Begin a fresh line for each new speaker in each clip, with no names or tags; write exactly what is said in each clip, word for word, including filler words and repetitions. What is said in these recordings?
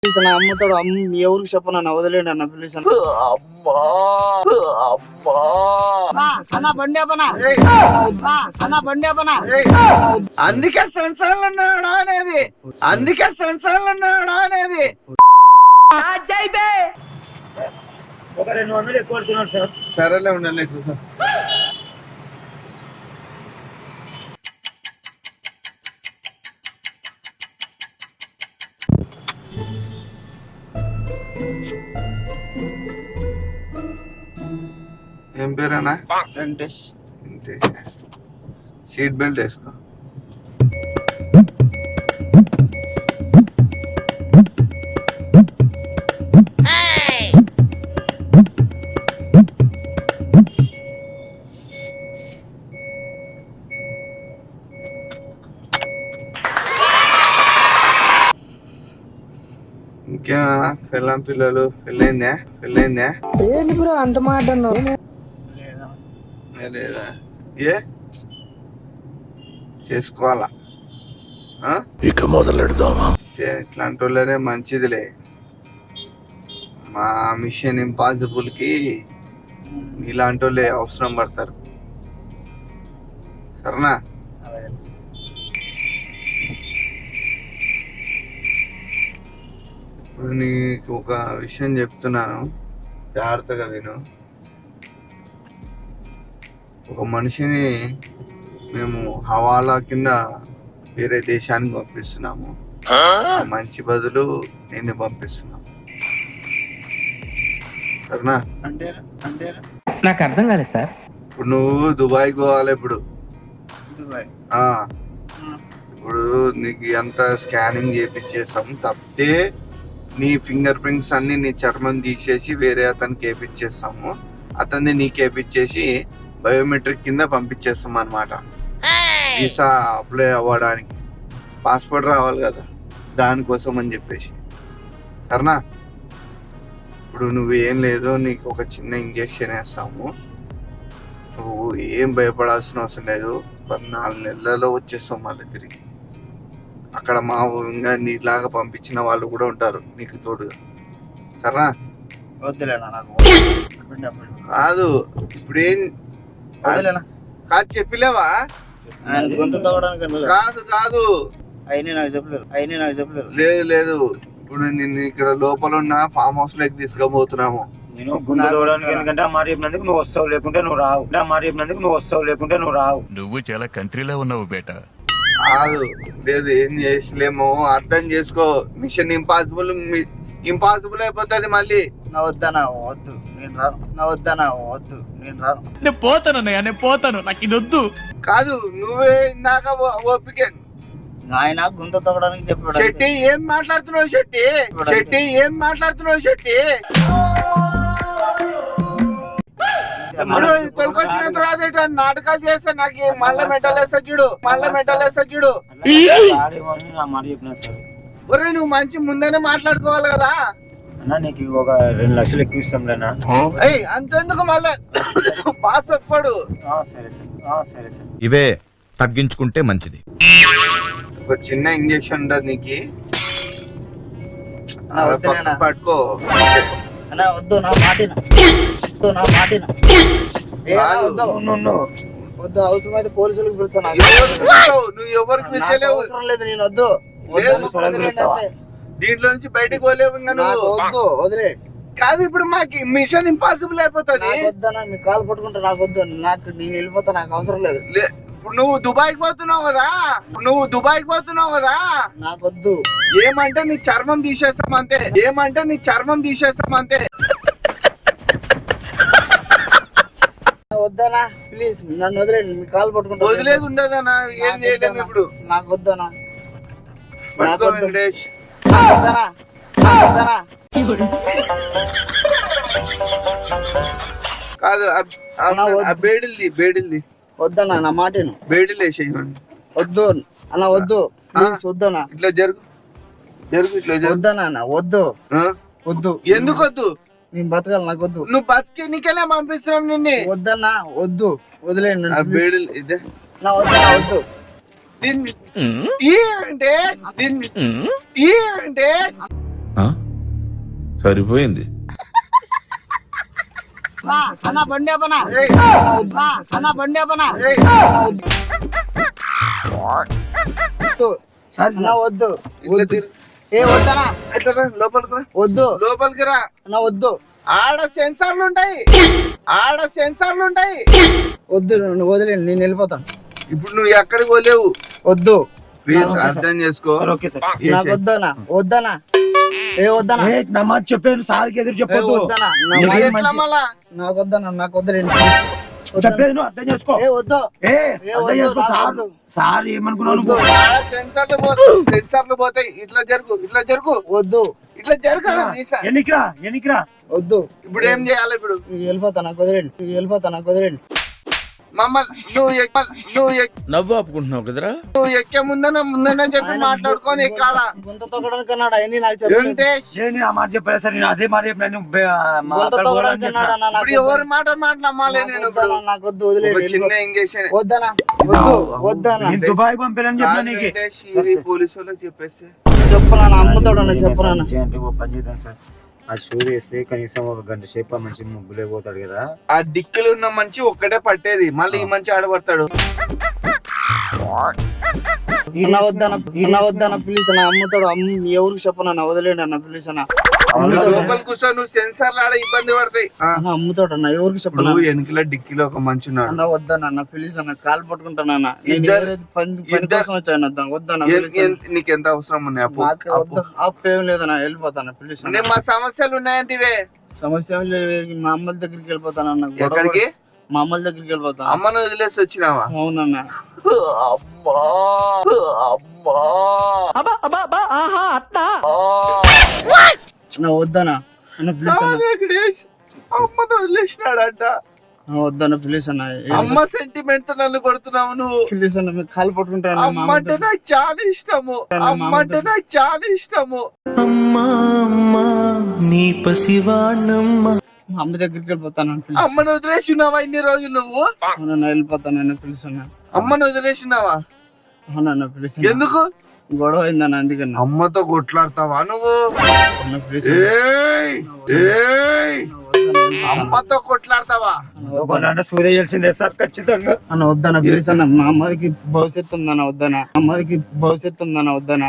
అమ్ముతాడు అమ్మ ఎవరికి చెప్పను వదిలేండి అన్న ప్లీజ్ అన్న.
అందుకే సంసారాలు ఉన్నాడా అనేది అందుకే సంసారాలు ఉన్నాడా అనేది
ఒక రెండు వందలు ఎక్కువ పడుతున్నాడు సార్.
సరేలే ఉండాలి చూసా. ఏం పేరేనా?
వెంకటేష్.
సీట్ బెల్ట్ వేసుకో. ఇంకేమన్నా పిల్లం పిల్లలు పెళ్ళైందా పెళ్ళైందా?
ఏంటి బ్రో అంత మాట
లేదా? ఏ చేసుకోవాలా?
ఇక మొదలెడదామా?
ఇట్లాంటి వాళ్ళనే మంచిదిలే. మా మిషన్ ఇంపాసిబుల్ కి ఇలాంటి వాళ్ళే అవసరం పడతారు. సరేనా? ఇప్పుడు నీకు ఒక విషయం చెప్తున్నాను, జాగ్రత్తగా విను. ఒక మనిషిని మేము హవాలా కింద వేరే దేశానికి పంపిస్తున్నాము. మంచి బదులు నేను పంపిస్తున్నాము. సరేనా?
అంటే అంటే
నాకు అర్థం కాలేదు సార్.
ఇప్పుడు నువ్వు దుబాయ్ పోవాలి. ఇప్పుడు
దుబాయ్
ఇప్పుడు నీకు ఎంత స్కానింగ్ చేపించేసాం తప్పితే నీ ఫింగర్ ప్రింట్స్ అన్ని నీ చర్మం తీసేసి వేరే అతనికి వేపించేస్తాము. అతన్ని నీకు వేపించేసి బయోమెట్రిక్ కింద పంపించేస్తాం అన్నమాట. వీసా అప్లై అవ్వడానికి పాస్పోర్ట్ రావాలి కదా, దానికోసం అని చెప్పేసి. సరేనా? ఇప్పుడు నువ్వు ఏం లేదు, నీకు ఒక చిన్న ఇంజెక్షన్ వేస్తాము. నువ్వు ఏం భయపడాల్సిన అవసరం లేదు. ఒక నాలుగు నెలలలో వచ్చేస్తావు మళ్ళీ తిరిగి. అక్కడ మా ఇంకా నీలాగా పంపించిన వాళ్ళు కూడా ఉంటారు నీకు తోడుగా. సరేనా?
వద్దులేనా నాకు
కాదు ఇప్పుడేం
వదిలేనా
కాదు చెప్పలేవా?
ఆయన గొంతు తవ్వడానికి
కాదు కాదు
అయినా నాకు చెప్పలేదు అయినా నాకు చెప్పలేదు
లేదు లేదు ఇప్పుడు నిన్ను ఇక్కడ లోపల ఉన్న ఫామ్ హౌస్ లోకి తీసుకుపోతున్నాము.
నేను గుండె తోవడానికి, ఎందుకంటే ఆ మాట చెప్పినందుకు నువ్వు వస్తావు, లేకుంటే నువ్వు రావు. ఆ మాట చెప్పినందుకు నువ్వు వస్తావు, లేకుంటే నువ్వు రావు.
నువ్వు చాలా కంట్రీలో ఉన్నావు బేటా.
కాదు లేదు ఏం చేసలేము, అర్థం చేసుకో. మిషన్ ఇంపాసిబుల్ ఇంపాసిబుల్ అయిపోతుంది మళ్ళీ.
నా వద్దనా వద్దు నేను రాను. నా వద్దనా వద్దు నేను రాను.
నేను పోతాను అన్నయ్య, నేను పోతాను, నాకు ఇది వద్దు.
కాదు నువ్వే ఇందాక ఓపిక.
ఆయన గుంత తవ్వడానికి చెప్పాడు.
శెట్టి ఏం మాట్లాడుతున్నావు? శెట్టి శెట్టి ఏం మాట్లాడుతున్నావు? శెట్టి తొలకొచ్చిన తర్వాత నాటకాలు చేస్తే నాకు మళ్ళీ మెటల్ వేస్తా చూడు, మళ్ళీ మెటల్ వేస్తా చూడు. ఒరే నువ్వు మంచి ముందేనే మాట్లాడుకోవాలి కదా.
అన్నా నీకు ఒక రెండు లక్షలు ఎక్కువ ఇస్తాం లేనా?
అంతెందుకు మళ్ళీ బాస్ వస్తాడు.
సరే సరే సరే సరే
ఇవే తగ్గించుకుంటే మంచిది.
ఒక చిన్న ఇంజెక్షన్ ఉండదు నీకు, పట్టుకో.
అన్నా వద్దు నా మాటిన వద్దు నా మాటిన వద్దు వద్దు అవసరం అయితే పోలీసులకు పిలుస్తాను.
నువ్వు ఎవరికి పిలిచలేవు,
అవసరం లేదు. నేను వద్దు
దీంట్లో నుంచి బయటకు పోలేవు.
వద్దు వదిలే.
కాదు ఇప్పుడు మాకు మిషన్ ఇంపాసిబుల్ అయిపోతుంది.
వద్దనా మీ కాలు పట్టుకుంటే నాకు వద్దు. నాకు నేను వెళ్ళిపోతా, నాకు అవసరం లేదు.
ఇప్పుడు నువ్వు దుబాయ్కి పోతున్నావు కదా, నువ్వు దుబాయ్కి పోతున్నావు కదా,
నాకు వద్దు.
ఏమంటే నీ చర్మం తీసేస్తాం అంతే, ఏమంటే నీ చర్మం తీసేస్తాం అంతే.
వద్దనా ప్లీజ్ నన్ను వదిలేండి. మీ కాలు పట్టుకుంటా.
వదిలేదు ఉండదనా, ఏం చేయలేము ఇప్పుడు.
నాకు వద్దనా
పట్టుకో వెంకటేష్.
వద్దనా వద్దనా
కాదు బేడిల్ది బేడిల్ది
వద్దనా నా మాటను.
బేడిల్ వేసేయండి.
వద్దు అన్న వద్దు ప్లీజ్ వద్దనా.
ఇట్లా జరుగు జరుగు ఇట్లా జరుగు.
వద్దనా అన్న వద్దు వద్దు.
ఎందుకు వద్దు?
నేను బతకాలి, నాకు వద్దు.
నువ్వు బతికి నీకెలా పంపిస్తున్నాం నిన్ను.
వద్దన్నా వద్దు వదిలేండి.
బేడిల్ ఇదే
నా వద్దనా వద్దు.
దీన్ని తీయండి, దీన్ని తీయండి.
సరిపోయింది.
అన్న బండి అప్పనా
ఏయ్,
అన్న బండి అప్పనా
ఏయ్,
అన్న వద్దు
ఇట్లా తిరు.
ఏ వద్దనా
ఇట్లా రా, లోపలికి రా,
వద్దు
లోపలికి రా.
అన్న వద్దు
ఆడ సెన్సార్లు ఉంటాయి, ఆడ సెన్సార్లు ఉంటాయి.
వద్దు నువ్వు వదిలేండి నేను వెళ్ళిపోతాను.
ఇప్పుడు నువ్వు ఎక్కడికి పోలేవు.
వద్దు
ప్లీజ్ అర్థం చేసుకో.
Sir okay sir.
నాకు వద్దనా వద్దనా ఏ వద్దనా
ఏ, నా మాట చెప్పాను సార్కి ఎదురు
ఏ
చెప్పొద్దు.
వద్దనా నా
నీకేం
మాట-
ఎట్లా మళ్ళా?
నాకు వద్దనా నాకు వద్దులేండి
చెప్పేది నువ్వు అర్థం చేసుకో.
ఏ వద్దు
ఏ
ఏ
అర్థం
వద్దు,
చేసుకో
నాకు
సార్.
వద్దు.
సార్ ఏమనుకున్నావు నువ్వు?
ఆడ సెన్సార్లు పోతాయి, సెన్సార్లు పోతాయి. ఇట్లా జరుగు, ఇట్లా జరుగు,
వద్దు
ఇట్లా జరుగు.
ఎన్నికిరా ఎన్నికిరా.
వద్దు
ఇప్పుడు ఏం చేయాలి? ఇప్పుడు
నువ్వు వెళ్ళిపోతా నాకు వదిలేండి నువ్వు వెళ్ళిపోతా నాకు వదిలేండి
మమ్మల్ని నువ్వు ఎక్క- నువ్వు ఎక్-
నవ్వు ఆపుకుంటున్నావు కదరా.
నువ్వు ఎక్కే ముందన ముందన చెప్పి మాట్లాడుకొని ఎక్కాలా?
గుంత తొక్కడానికి అన్నాడు అవన్నీ నాకు చెప్పలేదు
వెంకటేష్,
ఏ, నేను ఆ మాట చెప్పలేదు సార్. నేను అదే మాట చెప్పినా. నువ్వు బే- మా
గుంత
అక్కడ
తొక్కడానికి
పోవాలని
అన్నాడు
చెప్పినా.
అన్న నాకు
ఇప్పుడు ఎవరి మాట మాట నమ్మాలి నేను? ఇప్పుడు
వద్దనా, నాకు వద్దు
ఒక
వదిలేండి
చిన్న ఇంజక్షన్
వద్దనా వద్దు వద్దనా
నేను దుబాయ్ పంపానని చెప్పినా నీకు.
పోలీసు వాళ్ళకి చెప్పేస్తే
చెప్పనా అమ్ముతాడన్నా చెప్పనా
అంటే ఓ పని చేద్దాం సార్. ఆ షూ వేస్తే కనీసం ఒక గంట సేపు ఆ మంచి ముగ్గులే పోతాడు కదా.
ఆ దిక్కులు ఉన్న మంచి ఒక్కటే పట్టేది, మళ్ళీ ఈ మంచి ఆడబడతాడు.
అన్న వద్దన అన్న వద్దన ప్లీజ్ అన్న అమ్ముతాడు అమ్మ ఎవరికి చెప్పనన్నా వదిలేండి అన్న ప్లీజ్ అన్న
లోపల కూర్చో, నువ్వు సెన్సార్లు ఆడ ఇబ్బంది పడతాయి. ఆ,
అన్న అమ్ముతాడు అన్న ఎవరికి చెప్పనా
నువ్వు వెనుకల డిక్కీలో ఒక మంచి ఉన్నాడు.
అన్న వద్దన అన్న ప్లీజ్ అన్న కాలు పట్టుకుంటానన్న నేను
ఇద్దరు-
ఎవరైతే పని పని
ఇద్దరు-
కోసం వచ్చాను వద్దాం వద్దన
ఎన్- ఎన్- నీకు ఎంత అవసరం ఉన్నాయి అప్పు?
నాకు
అప్పు.
వద్దు అప్పు ఏం లేదన్న వెళ్ళిపోతాను ప్లీజ్
నేను మా సమస్యలు ఉన్నాయంటివే.
సమస్య ఏం లేదు మా అమ్మల దగ్గరికి వెళ్ళిపోతానన్న గొడవ
ఎక్కడికి?
పడ- మా అమ్మల దగ్గరికి వెళ్ళిపోతాను
అమ్మను వదిలేసి వచ్చినావా?
అవునన్న
అమ్మా అమ్మా
అన్న వద్దనా అన్న ప్లీజ్ అన్న
వెంకటేష్, అమ్మను వదిలేసినాడంట.
అన్న వద్దన్న ప్లీజ్ అన్న
అమ్మ సెంటిమెంట్ తో నన్ను కొడుతున్నావు నువ్వు.
ప్లీజ్ అన్న మీకు కాలు పట్టుకుంటాను మా
అమ్మ
అమ్మ
అంటే నాకు చాలా ఇష్టము, అమ్మ అంటే నాకు చాలా ఇష్టము.
అమ్మా అమ్మా నీ పసివాణమ్మ
మా అమ్మ దగ్గరికి వెళ్ళిపోతాను ప్లీజ్
అమ్మను వదిలేసినావా ఇన్ని రోజులు నువ్వు?
అవునన్న వెళ్ళిపోతానన్న ప్లీజ్ అన్న
అమ్మను వదిలేసినావా?
అవునన్న ప్లీజ్
ఎందుకు?
గొడవ అయిందన్న అందుకన్నా
అమ్మతో కొట్లాడతావా నువ్వు?
అన్న ప్లీజ్
ఏయ్, ఏయ్, అమ్మతో కొట్లాడతావా?
అంటే సూర్య తెలిసిందే సార్ ఖచ్చితంగా.
అన్న వద్దన ప్లీజ్ అన్న మా అమ్మకి భవిష్యత్తు ఉందన్న వద్దన అమ్మకి భవిష్యత్తు ఉందన్న వద్దన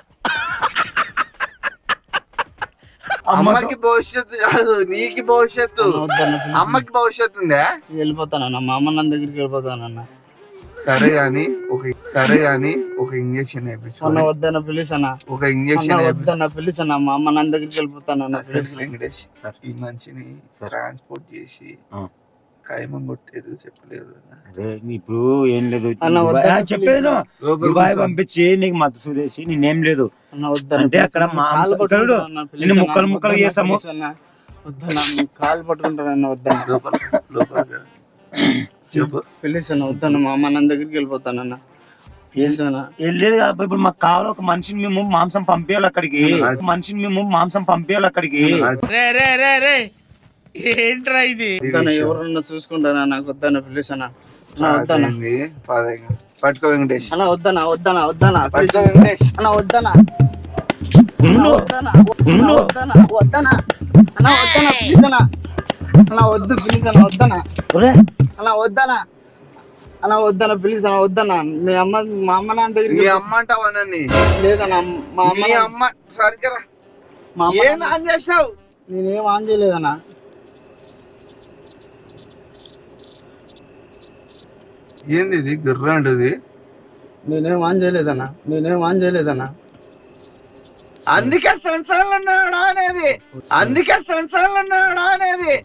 అమ్మకి భవిష్యత్తు కాదు, నీకు భవిష్యత్తు.
వద్దన్న please.
అమ్మకి భవిష్యత్తు ఉందా?
వెళ్ళిపోతానన్న మా అమ్మ నన్ను దగ్గరికి వెళ్ళిపోతానన్న
సరే గాని ఒక సరే గాని ఒక ఇంజక్షన్ వేయించు.
అన్న వద్దన్న ప్లీజ్ అన్న
ఒక
అన్న
ఇంజక్షన్
వద్దన్న ప్లీజ్ అన్న మా అమ్మ నన్ను దగ్గరికి వెళ్ళిపోతానన్న ప్లీజ్
వెంకటేష్ సార్, ఈ మంచిని ట్రాన్స్పోర్ట్ చేసి
ఆ.
ఖైమం కొట్టేది చెప్పలేదు కదా.
అదే ఇప్పుడు ఏం లేదు.
అన్న
దుబాయ్-
వద్దన్న
ఆ, చెప్పేది నువ్వు.
లోపలికి
దుబాయ్
కూర్చో.
పంపించి నీకు మత్తు సుదేసి నేనేం లేదు.
అన్న వద్దన్న
అంటే
please
అక్కడ
అన్న,
మాంసం
కాలు
ఇక్కడ
పట్టుకుంటానన్న, please
నిన్ను
అన్న,
ముక్కలు ముక్కలు
వద్దన్న,
చేసాము.
please అన్న. వద్దన్న మీ కాలు పట్టుకుంటానన్న వద్దన్న
లోపల లోపల చెప్పు.
ప్లీజ్ అన్న వద్దన్న మా అమ్మ నన్ను దగ్గరికి వెళ్ళిపోతానన్న ప్లీజ్ అన్న
ఏం లేదు కాబట్టి ఇప్పుడు మాకు కావాలి ఒక మనిషిని మేము మాంసం పంపించాలి అక్కడికి. మనిషిని మేము మాంసం పంపించాలి అక్కడికి.
రే రే రే రే ఏంట్రా ఇది?
వద్దన్న ఎవరన్నా చూసుకుంటానా నాకు వద్దన్న ప్లీజ్ అన్న అన్న వద్దన్న
పదైంది, పదైంది. పట్టుకో వెంకటేష్,
అన్న వద్దన్న వద్దన్న వద్దన్న ప్లీజ్
పట్టుకో వెంకటేష్.
అన్న వద్దన్న అన్న వద్దన్న అన్న వద్దన్న వద్దన్న అన్న వద్దన్న ప్లీజ్ అన్న అన్న వద్దు ప్లీజ్ అన్న వద్దన్న అన్న వద్దన్న అన్న వద్దన్న ప్లీజ్ అన్న వద్దన్న మీ అమ్మ మా అమ్మ నాన్న దగ్గరికి
మీ అమ్మ అంటావా నన్ను?
లేదన్న మా అమ్మ
మీ అమ్మ సరిగ్గా
మా అమ్మ
ఏం ఆన్ చేసినావు?
నేనేం ఆన్ చేయలేదన్న
ఏంది ఇది గుర్ర అంటది?
నేనేం ఆన్ చేయలేదన్న నేనేం ఆన్ చేయలేదన్న
అందుకే సెన్సార్లు ఉన్నాడా అనేది, అందుకే సెన్సార్లు ఉన్నాడా అనేది.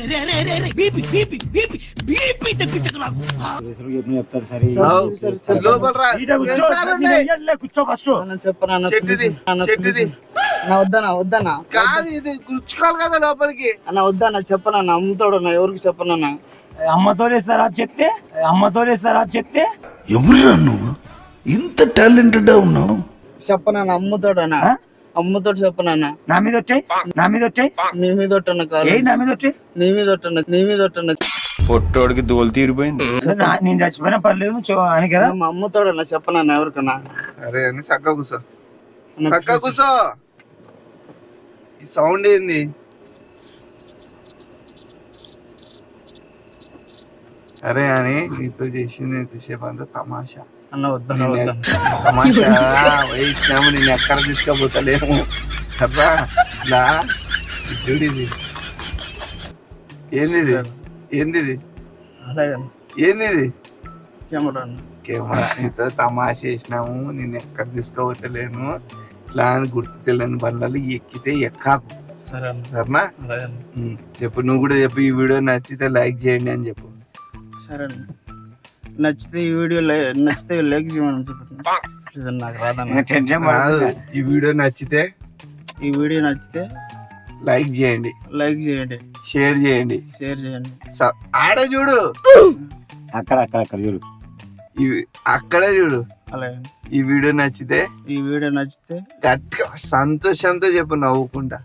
చెప్తారు సరే.
అవు,
సరే, సరే.
లోపల రా.
ఈడ కూర్చో,
సెన్సార్లు ఉన్నాయి.
ఈడ కూర్చో ఫస్ట్.
అన్న చెప్పనా
చెట్టుది, చెట్టుది.
అన్న వద్దన్న వద్దన్న
కాదు ఇది గుచ్చుకోవాలి కదా లోపలికి.
అన్న వద్దన్న చెప్పనన్న అమ్ముతాడు అన్న ఎవరికి చెప్పనన్న
అమ్మతో లేస్తారా చెప్తే అమ్మతో లేస్తారా చెప్తే
ఎవరురా నువ్వు ఇంత టాలెంటెడ్ ఉన్నావు?
చెప్పనన్న అమ్ముతాడు అన్న
ఆ?
అమ్ముతాడు చెప్పనన్న
నా మీద వచ్చాయి నా మీద వచ్చాయి
నీ మీద ఒట్టన్న కాదు
ఏ నా మీద వచ్చాయి.
నీ మీద ఒట్టన్న నీ మీద ఒట్టన్న
పొట్టోడికి దోలు తీరిపోయింది.
నేను చచ్చిపోయినా పర్లేదు నువ్వు చెవ- అని కదా.
మా అమ్ముతాడు అన్న చెప్పనన్న ఎవరికన్నా
సరే అని చక్క కూర్చో,
అన్న
చక్క కూర్చో. ఈ సౌండ్ ఏంది? అరే అని నీతో చేసింది ఎంతసేపు అంతా తమాషా.
అన్న వద్దన వద్దన
తమాషా వేసినాము, నేను ఎక్కడ తీసుకోపోతలేము కదా. ఇలా చూడు ఇది ఏంది ఇది? ఏంది ఇది?
అలాగే
ఏంది ఇది?
కెమెరా అన్న.
కెమెరా. నీతో తమాష చేసినాము, నేను ఎక్కడ తీసుకోవట్లేను. ఇట్లా అని గుర్తు తెలియని బండ్లలో ఎక్కితే ఎక్కాకు,
సరే అన్న.
సరేనా?
అలాగే అన్న.
ఉమ్, చెప్పు, నువ్వు కూడా చెప్పు. ఈ వీడియో నచ్చితే లైక్ చేయండి అని చెప్పు.
సరే అన్న. నచ్చితే ఈ వీడియో లై- నచ్చితే లైక్ చేయమని చెప్పండి. నాకు రాదన్న.
టెన్షన్
కాదు, ఈ వీడియో నచ్చితే
ఈ వీడియో నచ్చితే
లైక్ చేయండి,
లైక్ చేయండి,
షేర్ చేయండి.
షేర్ చేయండి.
స- ఆడ చూడు,
అక్కడ అక్కడ అక్కడ చూడు.
ఇవి అక్కడే చూడు.
అలాగే
ఈ వీడియో నచ్చితే
ఈ వీడియో నచ్చితే
గట్టిగా సంతోషంతో చెప్పు, నవ్వుకుంటా.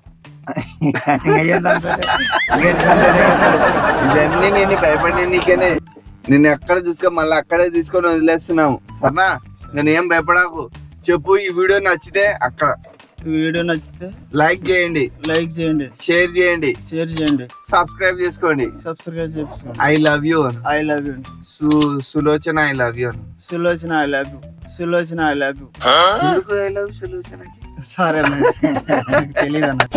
ఇవన్నీ నేను భయపడి నీకనే, నేను ఎక్కడ చూసుకో మళ్ళీ అక్కడే తీసుకొని వదిలేస్తున్నాము, సరేనా? నేను ఏం భయపడాకు. చెప్పు, ఈ వీడియో నచ్చితే అక్కడ
ఈ వీడియో నచ్చితే
లైక్ చేయండి,
లైక్ చేయండి,
షేర్ చేయండి,
షేర్ చేయండి,
సబ్స్క్రైబ్ చేసుకోండి.
సబ్స్క్రైబ్ చేసుకోండి.
I love you.
I love you.
సు Sulochana I love you.
Sulochana I love you. Sulochana I love you.
ఎందుకు ఐ లవ్ సులోచనకి?
సరే అన్న. నాకు తెలీదు అన్న.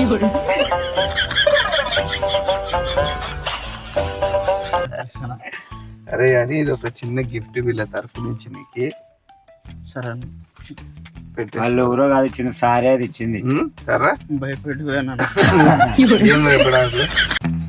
అరే అని ఇది ఒక చిన్న గిఫ్ట్ వీళ్ళ తరపు నుంచి నీకు
సరే అన్న.
పెట్టే.
వాళ్ళు ఎవరో కాదు, ఇచ్చిన సారే అది ఇచ్చింది.
ఉమ్, సరే
భయపెట్టిపోయాను.
ఏం భయపడాలి.